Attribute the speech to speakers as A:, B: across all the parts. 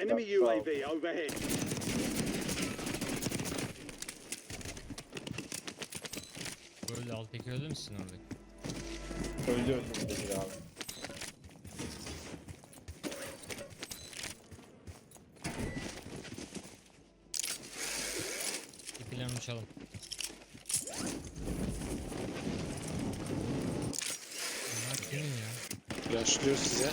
A: Enemy UAV overhead.
B: Böyle alttaki öldü müsün oradaki?
C: Öldü Bekir abi.
B: İpilerini uçalım. Bunlar kimin ya?
D: Yaşlıyor size.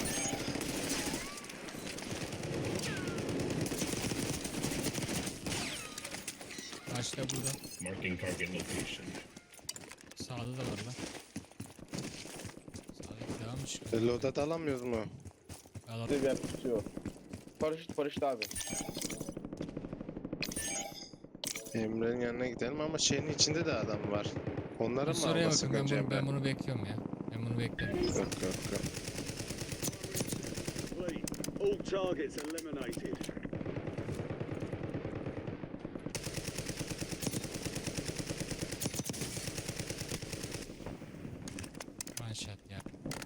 B: Karşıda burada.
E: Marking target location.
B: Sağda da var lan. Sağdaki devam mı çıkıyor?
D: Loadout alamıyoruz mu?
B: Alalım.
C: Bir yer tutuyor. Paraşüt abi.
D: Emre'nin yanına gidelim ama şeyin içinde de adam var. Onlara
B: Biz
D: mı
B: oraya
D: almasak
B: bakın,
D: önce
B: ben
D: Emre?
B: bunu bekliyorum ya. Ben bunu bekliyorum.
D: Yok yok yok.
A: Complete. All targets eliminated.
B: One shot ya.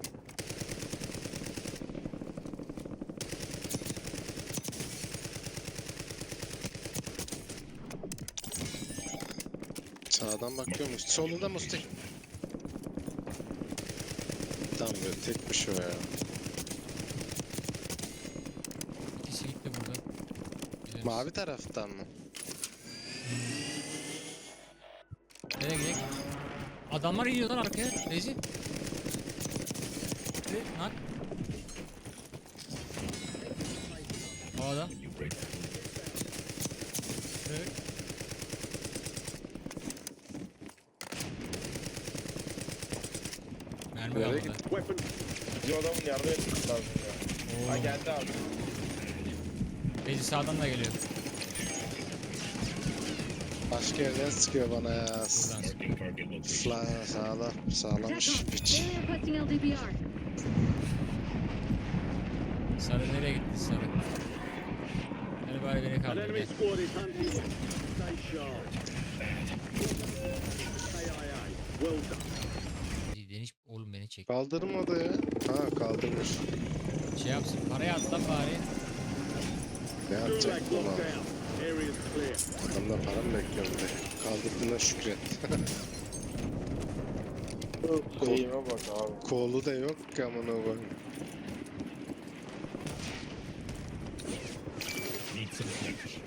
D: Sağdan bakıyormuş. Solunda Mustafa. Tamam böyle tekmiş o ya.
B: İkisi gitti burada. Gideriz.
D: Mavi taraftan mı?
B: Nereye gidelim? Adamlar iniyor lan arkaya. Rezi. Nak. Havada.
E: You break that window.
B: Evet. Mermi
D: Nereye
B: kalmadı.
D: gitti?
A: Weapon.
C: Bizim adamın yardım etmesi lazım ya. Ha
B: Oo.
C: geldi abi.
B: Rezi sağdan da geliyor.
D: Başka yerden sıkıyor bana ya.
B: Buradan.
E: Marking target location.
D: Sağlamış piç.
F: They're requesting LDPR.
B: Sarı nereye gitti sarı? Hadi bari beni
A: An
B: kaldır.
A: enemy
B: Gel.
A: squad is hunting you. Stay sharp. KIA. Well done.
B: Deniz oğlum beni çek.
D: Kaldırmadı ya. Ha kaldırmış.
B: Şey yapsın parayı atla bari.
D: Ne yapacak
A: Gulag
D: bu
A: locked
D: lan?
A: down. Area's clear.
D: Adamdan para mı bekliyorum be? Kaldırdığına şükret.
C: Eğime bak abi.
D: Kolu da yok ki amına koyayım.
E: Need some protection.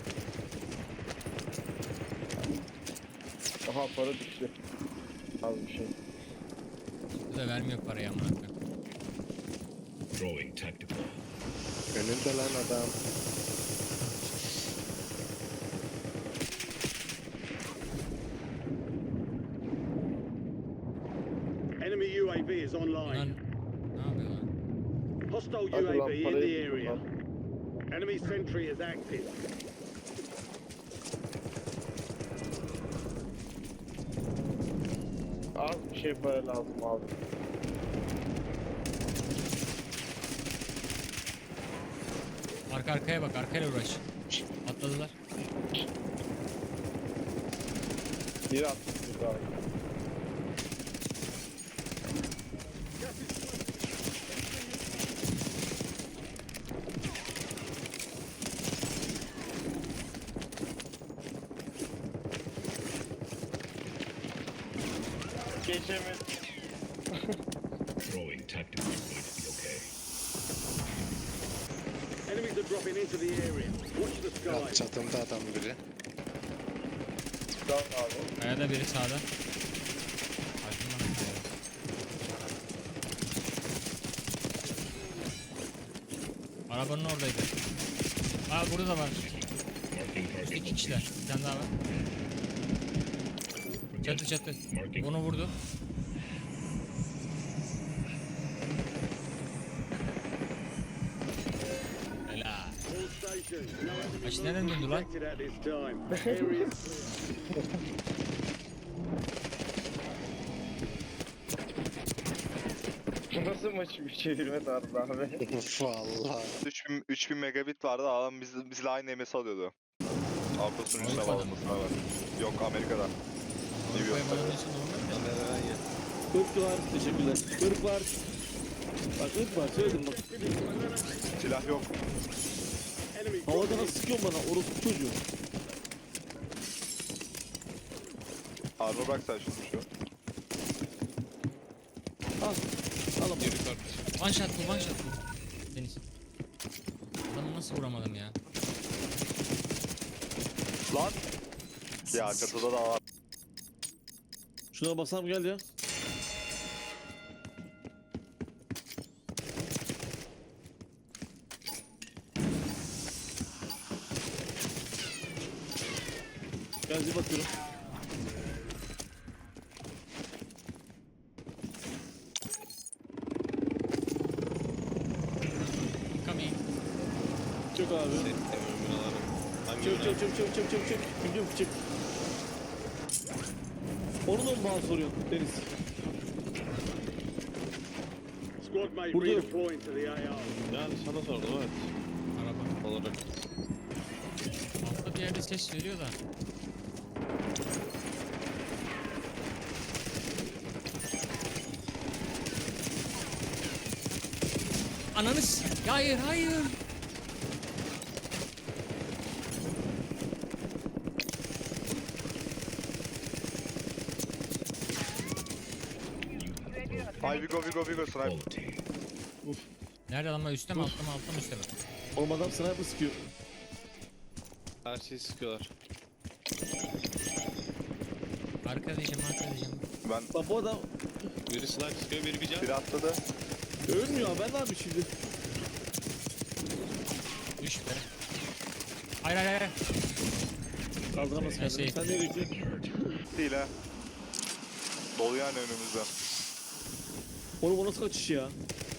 C: Aha para düştü. Az bir şey.
B: Bu da vermiyor parayı amına koyayım.
E: Throwing tactical.
D: Önünde lan adam.
A: Enemy UAV is
B: Bunlar
A: online.
B: ne yapıyor lan?
A: Hostile
C: Hadi lan,
A: UAV in the
C: parayı
A: area.
C: lan.
A: Enemy sentry is active.
C: Az bir şey para lazım abi.
B: Arka arkaya bak arkayla uğraş. Atladılar.
C: Biri attı bir abi. Geçemedim.
E: Throwing tactical is going to be okay.
A: Enemies are dropping into the area. Watch the
D: Ya
A: sky.
D: çatımda adam biri.
C: Tamam abi.
B: Kayada biri sağda. Ardından kayada. Arabanın oradaydı. Aa burada da var.
E: Marking target
B: İki
E: location.
B: kişiler. Bir tane daha var. Çatı çatı.
E: Marking.
B: Onu vurdu. Helal.
A: All stations. No enemy
B: Kaç nereden döndü lan?
A: detected at this time. Area
C: Bu nasıl maç bir çevirme tarzı abi?
D: Vallahi.
G: 3000 megabit vardı, adam bizle aynı MS alıyordu. Avrupa sunucusuna
B: Avrupa'da
G: bağlamasına var. Yok, Amerika'da. New
B: Avrupa'ya
G: York'ta.
B: bağlanıyorsun normal de.
H: Irk var, teşekkürler. Irk var. Bak ırk var, söyledim bak.
G: Silah yok.
A: Enemies
H: Havada
A: dropping
H: nasıl sıkıyorsun bana orospu çocuğu?
G: Arma bak sen şunu şu.
H: Al. Al ama.
B: One shot bu, one shot bu. Deniz. Adamı nasıl vuramadım ya?
G: Lan! Ya çatıda da var.
H: Şuna basam gel ya. Gel zil bakıyorum.
B: Coming.
H: Çık abi. Çık çık çık çık çık çık çık. Gidiyorum çık. Onu da mı bana soruyorsun Deniz?
A: Squad mate
H: Burada yok.
A: redeploying to the AR.
F: Yani sana sordum evet.
B: Araba.
F: Olarak.
B: Altta bir yerde ses veriyor da. Ananız. Hayır, hayır.
G: Ay Vigo sniper.
E: Quality.
B: Nerede adamlar, üstte mi, altta mı, altta mı, üstte mi?
H: Oğlum adam sniper sıkıyor.
F: Her şeyi sıkıyorlar.
B: Arka diyeceğim, arka diyeceğim.
G: Ben
H: Bak bu adam
F: Biri sniper sıkıyor, biri bir can.
G: bir atladı.
H: ölmüyor. Ben ne yapayım şimdi?
B: Düş be. Hayır, hayır, hayır.
H: Kaldıramaz kendini.
B: Şey-
H: Sen nereye gidiyorsun?
G: Değil ha. Dolu yani önümüzde.
H: Oğlum o nasıl kaçış ya?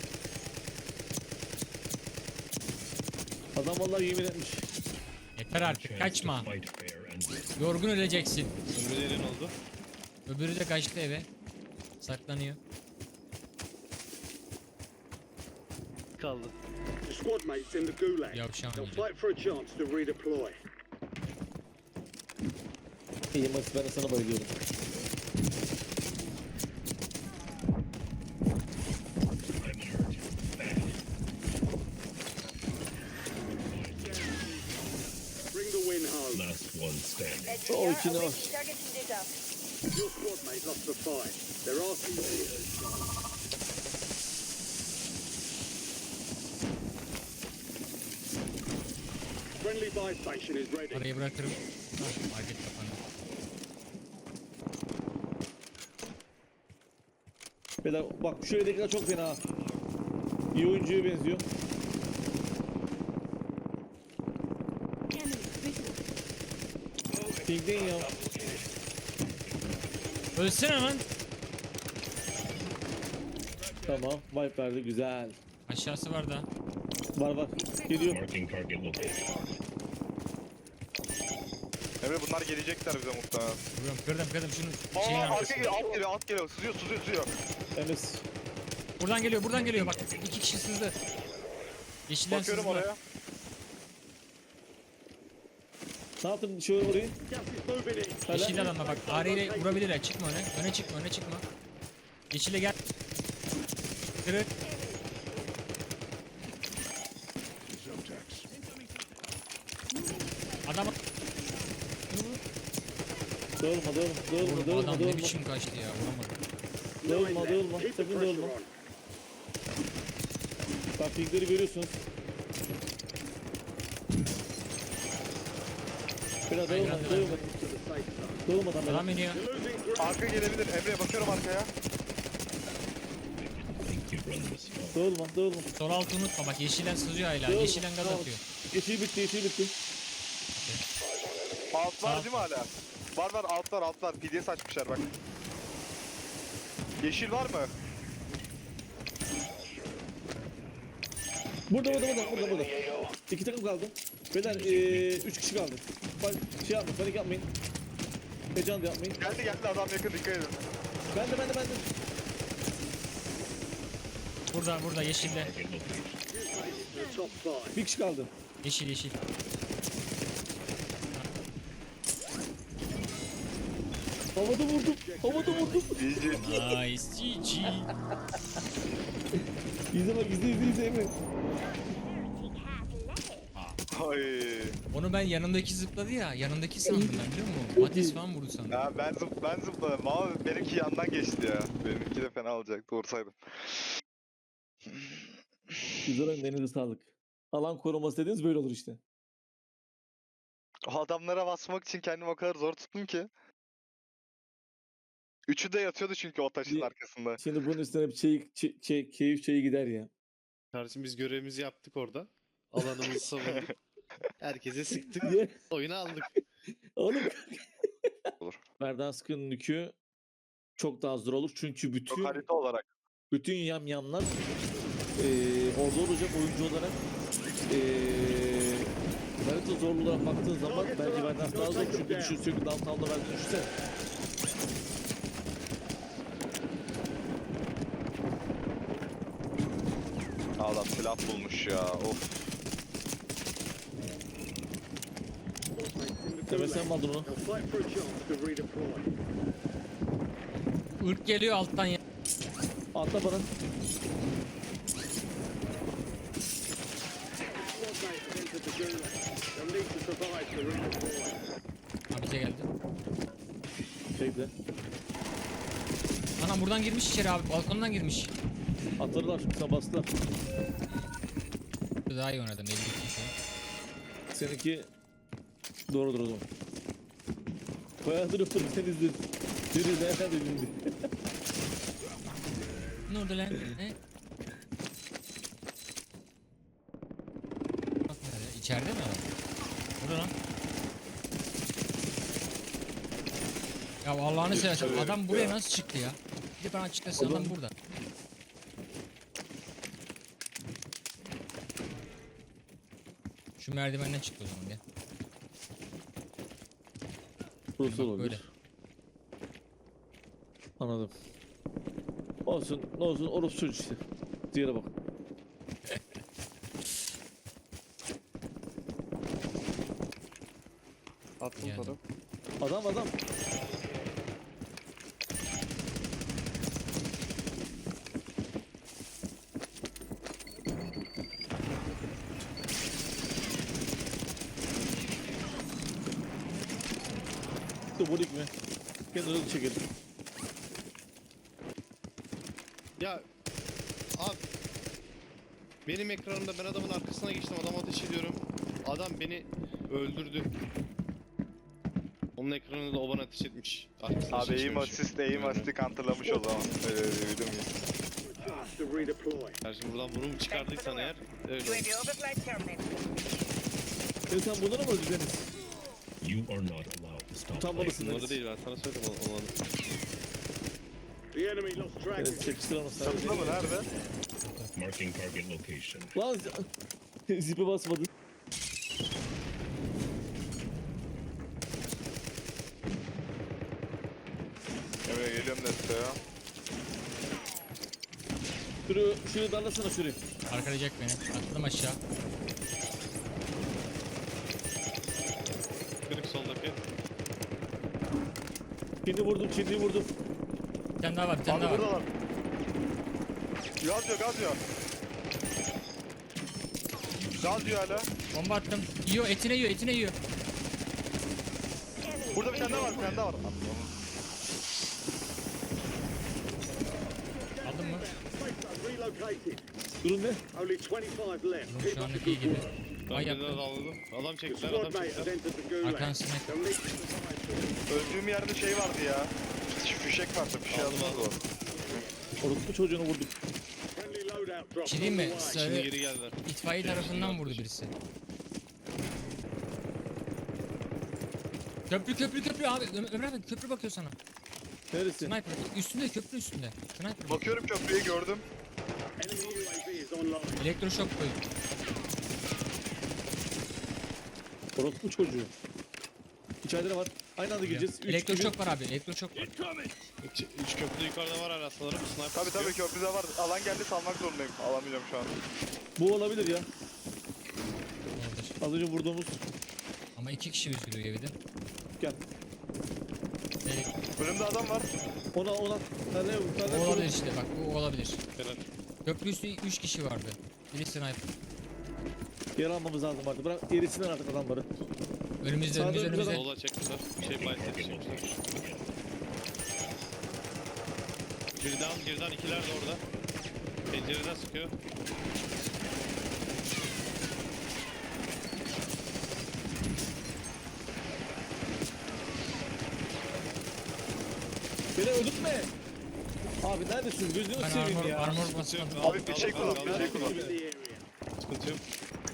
H: Adam vallahi yemin etmiş.
B: Yeter artık,
E: Chance
B: kaçma.
E: to fight fair and win.
B: Yorgun öleceksin.
F: Ömrülerin oldu.
B: Öbürü de kaçtı eve. Saklanıyor.
F: Kaldı.
A: The squad mates in the gulag.
B: Yavşan
A: They'll
B: yiyecek.
A: fight for a chance to redeploy.
H: İyi Max, ben de sana bayılıyorum.
E: I'm hurt.
A: Bring the win home.
E: Last one standing.
H: O içine bak.
A: Your squad mate lost the fight. They're asking you. Friendly buy station is ready.
B: Parayı bırakırım. Hah, market kapandı.
H: Beyler bak şu evdekiler çok fena. İyi oyuncuya benziyor. Pinkleyin ya.
B: Ölsene lan.
H: Tamam. Wipe verdi. Güzel.
B: Aşağısı var da.
H: Var var. Geliyor.
E: Marking target location.
G: Emre bunlar gelecekler bize muhtemelen.
B: Vuruyorum, kırdım şunu.
G: Aa
B: Şeyin
G: arka
B: arkasına.
G: geliyor, alt geliyor. Sızıyor.
H: Enes.
B: Buradan geliyor bak. 2 kişi sızdı. Yeşilden
G: Bakıyorum
B: sızdılar.
G: oraya.
H: Ne yaptın şu orayı?
A: Gas is moving in.
H: Hala.
B: Yeşil adamla bak. AR ile vurabilirler. Çıkma öne. Öne çıkma. Yeşile gel. Kırık. Adam
H: Dağılma.
B: adam ne biçim kaçtı ya, vuramadım.
H: Dağılma.
A: Keep the
H: Sakın
A: pressure
H: dağılma.
A: on.
H: Bak pinkleri görüyorsunuz. Biraz dağılma.
A: To the safe zone.
H: Dağılmadan böyle.
B: Adam iniyor.
A: You're losing ground.
G: Arka gelebilir. Emre bakıyorum arkaya.
E: Think you run this far.
H: Dağılma.
B: Sol altı unutma bak, yeşilden sızıyor hala.
H: Dağılma,
B: Yeşilden gaz
H: tamam.
B: atıyor.
H: Yeşil bitti.
G: Alt var değil mi hala? Var altlar. PDS açmışlar bak. Yeşil var mı?
H: Burada. 2 takım kaldı. Beyler 3 kişi kaldı. Şey yapmayın, panik yapmayın. Heyecan da yapmayın.
G: Geldi adam yakın, dikkat edin.
H: Ben de.
B: Burada yeşilde.
E: Target location.
A: The top five.
H: Bir kişi kaldı.
B: Yeşil.
H: Havada vurdum.
G: İyice.
B: Nice. GG.
H: İzle Emre.
G: Ay.
B: Onu ben yanındaki zıpladı ya. Yanındaki sandım ben biliyor musun? Matiz falan vurdu sandım.
G: Ya ben zıpladım ama benimki yandan geçti ya. Benimki de fena olacak. Doğru saydım.
H: Güzel oyun, elinize sağlık. Alan koruması dediğiniz böyle olur işte.
G: O adamlara basmak için kendimi o kadar zor tuttum ki. Üçü de yatıyordu çünkü o taşın
H: Bir-
G: arkasında.
H: Şimdi bunun üstüne bir keyif çayı gider ya.
F: Kardeşim biz görevimizi yaptık orada. Alanımızı savunduk. Herkese sıktık.
H: Ye.
F: Oyunu aldık.
H: Oğlum.
G: Olur.
H: Verdansk'ın yükü çok daha zor olur. Çünkü
G: Çok
H: bütün
G: harita olarak.
H: yamyamlar orada olacak oyuncu olarak harita zorluğuna baktığın zaman bence Verdansk daha zor. Çünkü sürekli downtown'da verdiğini düşünsene.
G: Adam silah bulmuş ya. Of.
H: Demek sen mi aldın onu?
A: They'll fight for a chance to redeploy.
B: Irk geliyor alttan ya.
H: Atla bana.
A: Squad mate has entered the gulag. They'll need to survive to redeploy.
B: Ha bize geldi.
H: Bekle.
B: Anam buradan girmiş içeri abi. Balkondan girmiş.
H: Atlarlar. Sen bastılar.
B: Daha iyi oynadım. 52 şu an.
H: Seninki doğrudur o zaman. Bayağıdır öptüm sen izledin. Biri nereden izledin?
B: Ne oldu lan? Ne? Bak nerede? İçeride mi adam? Burada lan. Ya Allah'ını seversen adam buraya nasıl çıktı ya? Bir de bana açıklasın adam burada. Şu merdivenden çıktı o zaman gel.
H: Burası
B: Bak
H: olabilir.
B: böyle.
H: Anladım. Olsun, ne olsun orası çocuk işte. Diğere bak.
C: Attım
B: Geldim.
C: sana.
H: Adam. Dubulik mi? Kendini çekelim.
F: Ya abi benim ekranımda ben adamın arkasına geçtim, adama ateş ediyorum. Adam beni öldürdü. Onun ekranında da o bana ateş etmiş. Arkasına
G: Abi aim
F: çekmemişim.
G: assist, aim assist'i counterlamış o zaman. Öyle duydum ya.
A: For a chance to redeploy.
F: Kardeşim buradan bunu mu çıkardıysan eğer öyle
I: UAV
F: olmuş.
I: overflight terminated.
H: Sen bunları mı öldü Deniz?
E: You are not allowed to stop
H: Utanmalısın
F: Bunları
H: Deniz.
F: değil, ben sana söyledim olanı.
A: The enemy lost track
H: Deniz
A: of
H: çekiştir onu sen.
G: Çatıda mı? Nerede?
E: marking target location.
H: Lan zipe basmadı.
G: Emre geliyorum desteğe.
H: Şurayı darlasana şurayı.
B: Arkalayacak beni. Atladım aşağı.
F: Kırık soldaki.
H: Çinliyi vurdum.
B: Bir tane daha var, bir tane
G: Abi
B: daha var.
G: buradalar. Gaz diyor, gaz diyor. Gaz diyor hala.
B: Bomba attım. Yiyor, etine yiyor, etine yiyor.
G: Burada bir tane daha var, bir tane daha var.
B: Aldın mı?
A: safe zone relocated.
H: Durum ne?
A: Only 25 left.
B: Oğlum
A: Keep
B: şu
A: up the
B: anlık iyi
A: good
B: gibi.
A: work.
B: Ay
F: Ben
B: yaptım.
F: de aldım. Adam
A: The
F: çektiler,
A: squad
F: adam
A: mate has
F: çektiler.
A: entered the gulag.
B: Arkan sinek.
A: They'll need to survive to
G: Öldüğüm yerde şey vardı ya. Fişek vardı, bir şey
F: Aldım,
G: yazmaz o.
F: aldım.
H: Orospu çocuğunu vurduk.
A: friendly loadout drop.
B: Şey diyeyim mi?
A: on the way.
F: Şimdi
B: Sarı
F: geri geldiler.
B: itfaiye tarafından vurdu birisi. Köprü abi. Ömer abi köprü bakıyor sana.
H: Neresi?
B: Sniper. Üstünde, köprü üstünde. Sniper. bakıyor.
G: Bakıyorum köprüyü gördüm.
A: Enemy UAV is online.
B: Elektroşok koy.
H: Orospu çocuğu. İçeride ne var? Aynı anda gireceğiz. Üç gibi.
B: Elektroşok var abi, elektroşok var.
F: Üç köprü yukarıda var hala sanırım. Sniper
G: Tabii
F: sıkıyor.
G: köprüde var. Alan geldi, salmak zorundayım. Alamayacağım şu an.
H: Bu olabilir ya.
B: Olabilir.
H: Az önce vurduğumuz.
B: Ama 2 kişi üzülüyor evde.
H: Gel.
G: Önümde adam var.
H: Ona. Tane
B: O olabilir işte bak, bu olabilir.
F: Helal.
B: Köprü üstü 3 kişi vardı. Biri sniper.
H: Yer almamız lazım artık. Bırak erisinler artık adamları.
B: Önümüzde
H: Sağda
B: önümüzde
H: önümüzde
B: önümüzde.
F: Sola çektiler. Şey bayt çektiler. Birden ikiler de orada. Pencereden sıkıyor.
H: Beni öldürtme. Abi neredesin? Gözünü
B: Ben
H: seveyim ya.
B: armor
F: Sıkıntı
B: basmadım.
F: yok.
G: Abi bir şey kullan, bir şey kullan.
A: In the area.
F: Sıkıntı yok.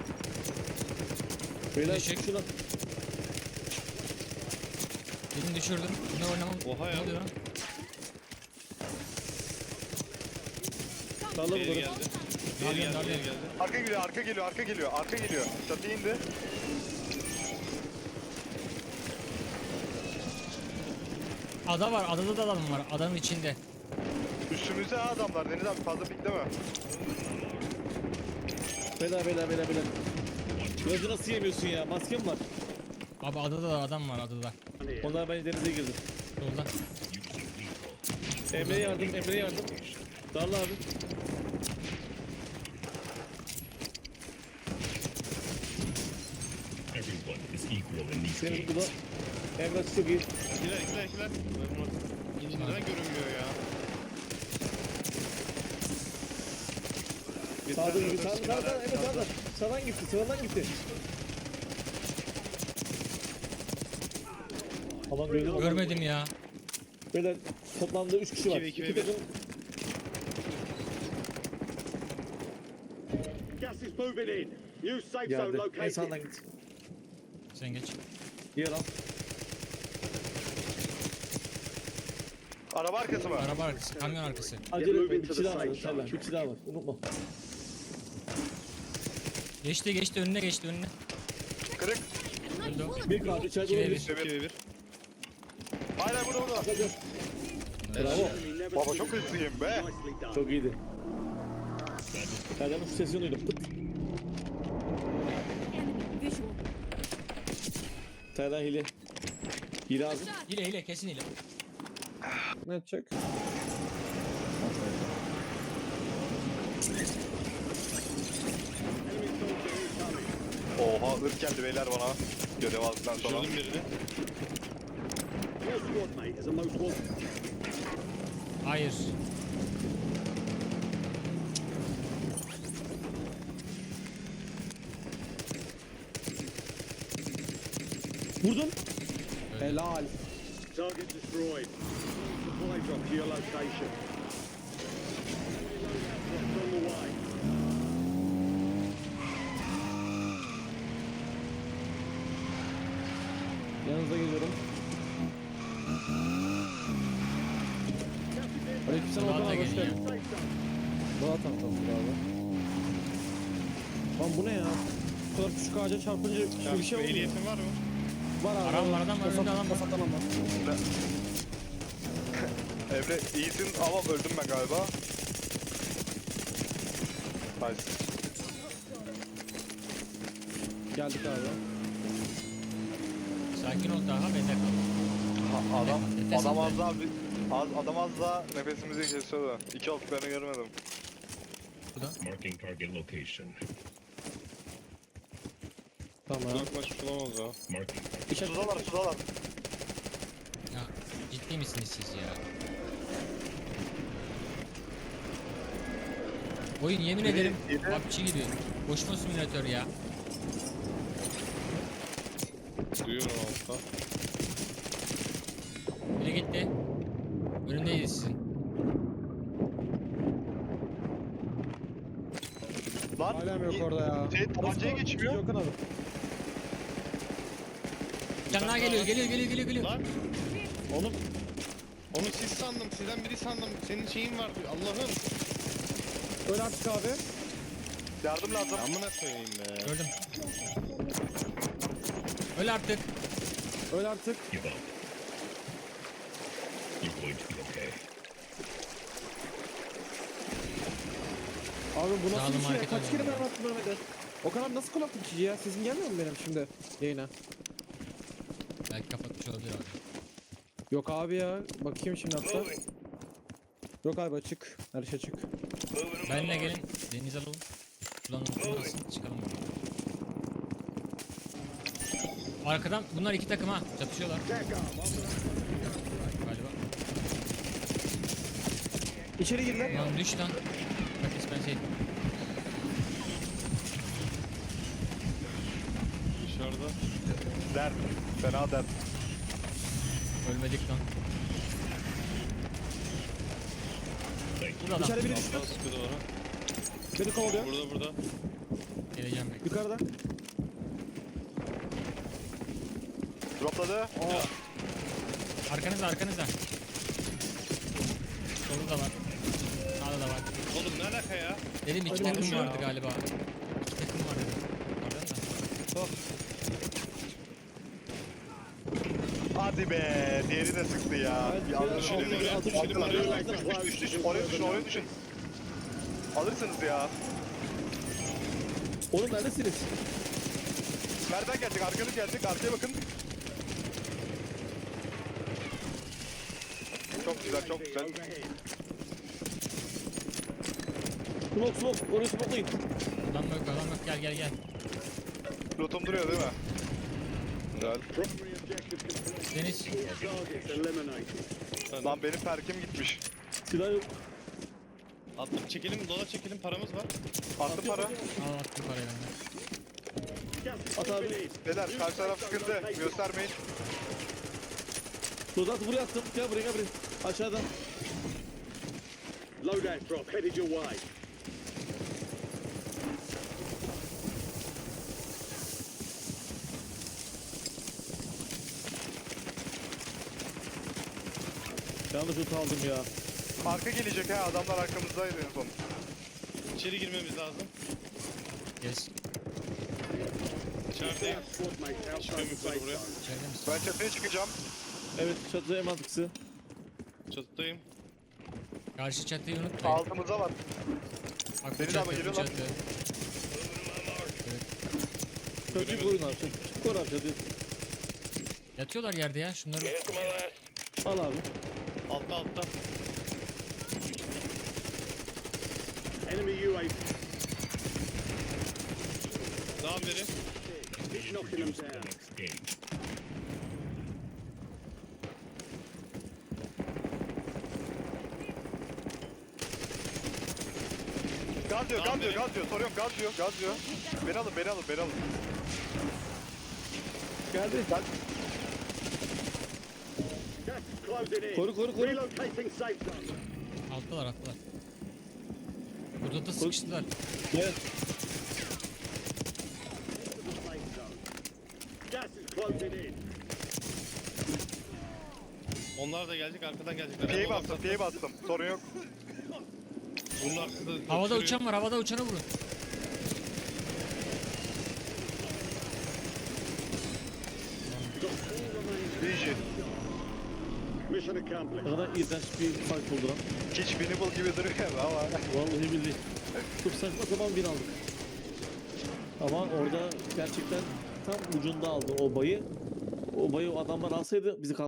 H: Beyler
B: Teşekkür.
H: şuna.
B: Birini düşürdüm. Ne oynamam?
F: Oha ya.
B: Ne oluyor lan?
H: Salla
F: Diğeri
H: bunları.
F: geldi.
B: Darlıyorum,
F: Diğeri geldi.
B: darlıyorum.
F: Diğeri geldi.
G: Arka geliyor, arka geliyor, arka geliyor, arka geliyor. Çatıya indi.
B: Ada var. Adada da adam var. Adanın içinde.
G: Üstümüzde ha adamlar. Deniz abi fazla pikleme.
H: Beyler. Gözü nasıl yemiyorsun ya? Maskem var.
B: Abi adada da adam var adada.
H: Onlar bence denize girdi.
B: Solda.
H: Emre'ye yardım. Darla abi.
E: Everyone is equal in these
H: Seni
E: games.
H: burada. Emre çok iyi.
F: İkiler. Neden görünmüyor ya?
H: Sağda gibi. Sağda. Emre sağda. Sağdan gitti. Aman gördüm.
B: Görmedim ya.
H: Beyler toplamda 3 kişi var.
F: İki ve iki
H: 2
F: ve bir.
H: takım.
A: Gas is moving in. New safe zone
H: Geldi. En
A: located.
H: sağdan git.
B: Sen geç.
H: Yer al.
G: Araba arkası mı?
B: Araba arkası. Kamyon arkası.
H: Acele etme. Bir kişi daha var. Sağdan. Bir kişi daha var. Unutma.
B: Geçti önüne geçti önüne.
G: Kırık.
B: Öldü o.
H: Bir kaldı. İçeride
B: İki ve
H: olabilir.
F: 2 ve 1.
G: Hayır burada.
H: Bravo.
A: Enemy never
G: Baba
A: seen
G: çok hızlıyım be.
A: nicely done.
H: Çok iyiydi. Serdar'ın şu sesini duydum. Pıt.
I: Visual.
H: Serdar hile. Hile abi.
B: Hile kesin hile.
H: Ne yapacak?
G: Oha ırk geldi beyler bana. Görev aldıktan sonra.
F: Düşürdüm birini.
A: Your squad mate is a most wanted.
B: Hayır.
H: Vurdum. Helal.
A: Target destroyed. Supply drop to your location. Drops on the way.
H: Yanınıza geliyorum. Aleykümselam Okan
B: Murat da
H: abi hoş
B: geliyor.
H: geldin.
A: Safe zone.
H: Daha tanıtalım abi. Lan bu ne ya? Bu kadar küçük ağaca çarpınca
F: Ya,
H: bir şey olmuyor.
F: ehliyetin var mı?
H: Var abi.
B: Adam var, adam var, önünde adam var.
H: Kasaptan adam var.
G: Emre iyisin ama öldüm ben galiba. Nice.
H: Geldik abi.
B: Sakin ol daha bende kal.
G: Adam
B: Nefes
G: adam
B: al.
G: az daha adam az daha nefesimizi kesiyordu. İki olduklarını görmedim.
E: Marking target location.
H: Tamam.
F: Uzaklaşmış olamaz ya.
E: Marking target.
G: Sudalar.
B: Ya ciddi misiniz siz ya? Oyun yemin ederim
G: yedi.
B: PUBG gibi. Koşma simülatör ya.
F: Duyuyorum altta.
B: Biri gitti. Önündeyiz sizin.
G: Lan
H: Hala yok orada ya.
G: Tabancaya geçmiyor.
H: Okan abi.
B: Bir tane daha geliyor.
F: Lan. Onu siz sandım. Sizden biri sandım. Senin şeyin vardı. Allah'ım.
H: Öl artık abi.
G: Yardım lazım.
F: Amına koyayım be.
B: Gördüm. Öl artık.
H: Öl artık.
E: Give up. You're going to be okay.
H: Abi bu
B: Sağ
H: nasıl
B: olun,
H: bir şey ya?
B: market
H: Kaç kere ben
B: oynuyorum.
H: attım Mehmet'e? Okan abi nasıl kulaklık içici ya? Sesim gelmiyor mu benim şimdi yayına?
B: Belki kapatmış olabilir abi.
H: Yok abi ya. Bakayım şimdi hatta. Yok abi açık. Her şey açık.
B: Benle gelin. Deniz alalım. Sulanın. Çıkalım. Arkadan bunlar iki takım ha. Çatışıyorlar. Galiba.
H: İçeri girdiler.
B: Lan düş lan. Bak ben şey.
C: Dışarıda.
G: Dert. Fena dert.
B: Ölmedik lan. Burada adam.
H: İçeri biri düştü.
C: Alttan sıkı duvara.
H: Beni kovalıyor.
C: Burada.
B: Geleceğim bekle.
H: Yukarıda.
G: Dropladı.
B: Arkanızda arkanızda. Solda da var. Sağda da var.
C: Oğlum ne alaka ya?
B: Dedim iki
H: Hadi
B: takım
H: bakalım.
B: vardı galiba. İki takım var dedim. Oradan da.
G: Hadi be. Diğeri de sıktı ya. Yanlış
H: Altı-
G: yürüdü.
H: altı- altı-
G: Altı-
H: altı-
G: Düş. Oraya düşün. Oraya düşün. Alırsınız ya.
H: Oğlum neredesiniz?
G: Nereden geldik? Arkanız geldik. Arkaya bakın. Çok güzel, çok güzel.
H: Smoke. Oraya smoke'layın.
B: Adam yok adam yok gel gel gel.
G: Lootum duruyor değil mi? Güzel.
A: Primary objective complete.
B: Deniz.
A: Targets eliminated.
G: Lan benim perkim gitmiş.
H: Silah yok.
C: Attım çekelim, dolar çekelim, paramız var.
G: Attım para.
B: Al attım parayı benden.
A: Gas is
H: At abi.
A: moving in.
G: Beyler karşı taraf sıkıntı. Göstermeyin.
H: Dozatı buraya attım. Gel buraya. Aşağıdan.
A: Loadout drop headed your way.
H: Yanlış loot aldım ya.
G: Arka gelecek ha. Adamlar arkamızdaydı en son.
C: İçeri girmemiz lazım.
B: Yes.
C: İçerideyim.
A: Squad mates outside the
C: Çıkıyorum
A: safe
C: yukarı buraya.
A: zone.
B: İçeride misin?
G: Ben çatıya çıkacağım.
H: Evet çatıda en mantıklısı.
C: Çatıdayım.
B: Karşı çatıyı unutmayın.
G: Altımıza var.
B: Bak bu
G: Beni de
B: çatı,
G: ama
B: bu
G: geliyor lan.
B: çatı.
H: Çatıyı koruyun abi. Koru abi çatıyı.
B: Yatıyorlar yerde ya şunları.
H: Al abi.
C: Altta.
A: Enemy UAV
C: Devam verin.
A: knocking them
E: Introduce the
A: down.
E: next gate.
G: Gaz diyor,
C: Tamam,
G: gaz diyor, gaz diyor. Soruyorum, gaz diyor. Beni alın.
H: Geldi.
A: Gas is closing in.
H: Koru.
A: Relocating safe zone.
B: Alttalar. Burada da sıkıştılar.
H: Gel.
A: The safe zone. Gas is closing in.
C: Onlar da gelecek, arkadan gelecekler.
G: Pi'yi bastım. Sorun yok.
C: Bunun arkada...
B: Havada
C: sürüyor.
B: uçan var. Havada uçanı vurun.
G: Easy.
A: Mission accomplished.
H: Ne kadar iğrenç bir fight oldu lan.
G: Hiç winnable gibi duruyor ama.
H: Vallahi billahi. Çok saçma sapan bir aldık. Ama orada gerçekten tam ucunda aldı o bayı. O bayı o adamlar alsaydı bizi